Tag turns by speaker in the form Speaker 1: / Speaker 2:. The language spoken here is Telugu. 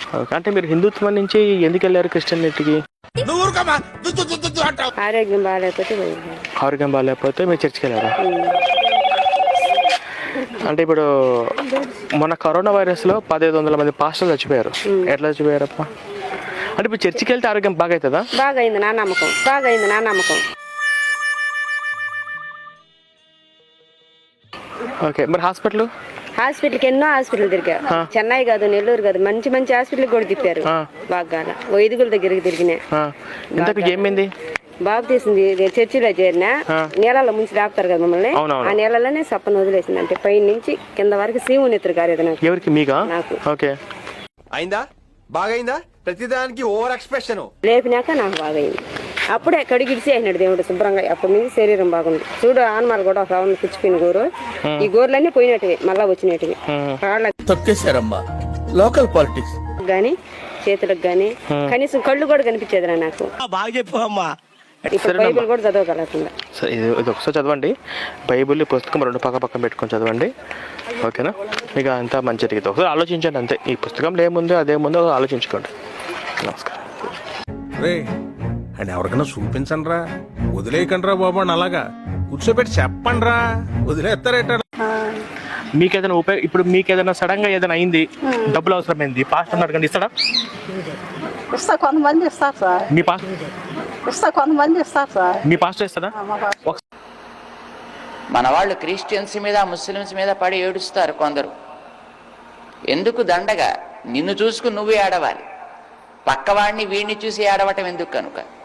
Speaker 1: ఓకే, అంటే మీరు హిందుత్వం నుంచి ఎందుకు వెళ్ళారు క్రిస్టియనిటీకి?
Speaker 2: ఆరోగ్యం బాగాలేకపోతే
Speaker 1: ఆరోగ్యం బాగాలేకపోతే మీరు చర్చికి వెళ్ళారా? అంటే ఇప్పుడు మొన్న కరోనా వైరస్లో 1500 మంది పాస్టర్లు చచ్చిపోయారు. ఎట్లా చచ్చిపోయారప్ప? అంటే ఇప్పుడు చర్చికి వెళ్తే ఆరోగ్యం బాగా అవుతుందా?
Speaker 2: బాగా అయింది నా నమ్మకం.
Speaker 1: ఓకే, మరి
Speaker 2: హాస్పిటల్కి ఎన్నో హాస్పిటల్ తిరిగా. చెన్నై కాదు, నెల్లూరు కాదు, మంచి మంచి హాస్పిటల్ కూడా తిప్పారు. బాగా వైద్యుల దగ్గరికి తిరిగినా.
Speaker 1: ఏమైంది?
Speaker 2: బాబు తీసింది చర్చిలో చేరిన నీళ్ళలో ముంచి రాపుతారు కదా మమ్మల్ని. ఆ నీళ్ళలోనే సప్పను వదిలేసింది. అంటే పై నుంచి కింద వరకు సీము నెత్తురు కాలేదు నాకు.
Speaker 1: ఎవరికి? మీకా?
Speaker 2: నాకు.
Speaker 1: ఓకే,
Speaker 3: అయిందా? బాగైందా? ప్రతిదానికి ఓవర్ ఎక్స్ప్రెషన్.
Speaker 2: లేపినాక నాకు బాగైంది. అప్పుడే కడిగిడిసి అయినాడు దేవుడు శుభ్రంగా. అప్పటి నుంచి శరీరం బాగుంది. చూడు ఆనమాలు కూడా ఒక రౌండ్ పుచ్చిపోయిన గోరు. ఈ గోర్లన్నీ పోయినట్టువి, మళ్ళా వచ్చినట్టువి.
Speaker 4: తొక్కేశారమ్మా లోకల్ పాలిటిక్స్
Speaker 2: గాని చేతులకు గాని కనీసం కళ్ళు కూడా కనిపించేది నాకు.
Speaker 4: బాగా చెప్పమ్మా.
Speaker 2: ఇప్పుడు బైబిల్ కూడా చదవగలకుండా.
Speaker 1: సరే, ఇది ఒకసారి చదవండి. బైబిల్ పుస్తకం 2 పక్కన పెట్టుకొని చదవండి. ఓకేనా? మీకు అంతా మంచి జరిగింది. ఒకసారి ఆలోచించండి అంతే. ఈ పుస్తకంలో ఏముందో అదేముందో ఆలోచించుకోండి. నమస్కారం.
Speaker 5: అండ్ ఎవరికైనా చూపించండి రా, వదిలేయకండి రా బాబు అని అలాగా కూర్చోబెట్టి చెప్పండి రా, వదిలేస్తారేట.
Speaker 1: మీకేదైనా ఇప్పుడు మీకేదైనా సడన్ గా ఏదైనా అయింది, డబ్బులు అవసరమైంది, పాస్టర్ అడగండి, ఇస్తాడా?
Speaker 6: ఇస్తా, కొంతమంది ఇస్తారు సార్.
Speaker 1: మీ పాస్టర్
Speaker 6: కొంతమంది ఇస్తారు సార్.
Speaker 1: మీ పాస్టర్ ఇస్తాడా?
Speaker 7: మన వాళ్ళు క్రిస్టియన్స్ మీద ముస్లిమ్స్ మీద పడి ఏడుస్తారు కొందరు. ఎందుకు దండగా? నిన్ను చూసుకుని నువ్వే ఏడవాలి, పక్కవాడిని వీడిని చూసి ఏడవటం ఎందుకు కనుక.